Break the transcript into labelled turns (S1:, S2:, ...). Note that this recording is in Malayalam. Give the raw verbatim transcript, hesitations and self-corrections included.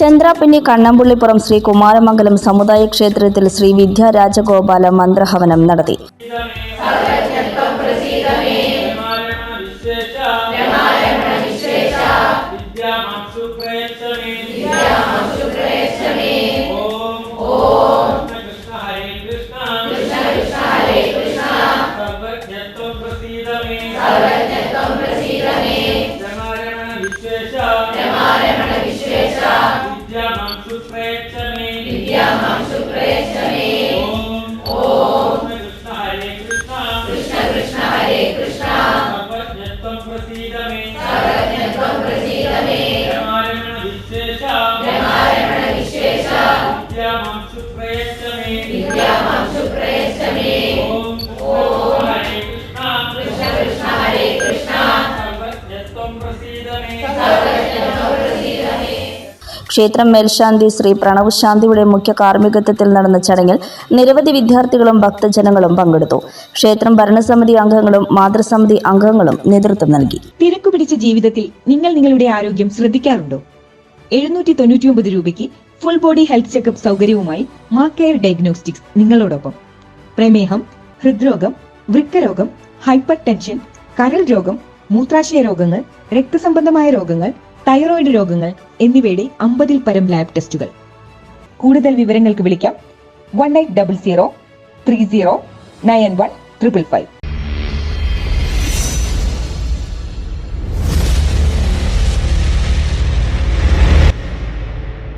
S1: ചന്ദ്രാപിന്നി കണ്ണമ്പുള്ളിപ്പുറം ശ്രീ കുമാരമംഗലം സമുദായ ക്ഷേത്രത്തിൽ ശ്രീ വിദ്യാരാജഗോപാല മന്ത്രഹവനം നടത്തി. ക്ഷേത്രം മേൽശാന്തി ശ്രീ പ്രണവ് ശാന്തിയുടെ മുഖ്യ കാർമ്മികത്വത്തിൽ നടന്ന ചടങ്ങിൽ നിരവധി വിദ്യാർത്ഥികളും ഭക്തജനങ്ങളും പങ്കെടുത്തു. ക്ഷേത്രം ഭരണസമിതി അംഗങ്ങളും മാതൃസമിതി അംഗങ്ങളും നേതൃത്വം നൽകി.
S2: തിരക്കുപിടിച്ച ജീവിതത്തിൽ നിങ്ങൾ നിങ്ങളുടെ ആരോഗ്യം ശ്രദ്ധിക്കാറുണ്ടോ? എഴുന്നൂറ്റി തൊണ്ണൂറ്റി ഒമ്പത് രൂപയ്ക്ക് ഫുൾ ബോഡി ഹെൽത്ത് ചെക്കപ്പ് സൗകര്യവുമായി മാ കെയർ ഡയഗ്നോസ്റ്റിക്സ് നിങ്ങളോടൊപ്പം. പ്രമേഹം, ഹൃദ്രോഗം, വൃക്കരോഗം, ഹൈപ്പർ ടെൻഷൻ, കരൾ രോഗം, മൂത്രാശയ രോഗങ്ങൾ, രക്തസംബന്ധമായ രോഗങ്ങൾ, തൈറോയിഡ് രോഗങ്ങൾ എന്നിവയുടെ അമ്പതിൽ പരം ലാബ് ടെസ്റ്റുകൾ. കൂടുതൽ വിവരങ്ങൾക്ക് വിളിക്കാം one eight double zero three zero nine one triple five.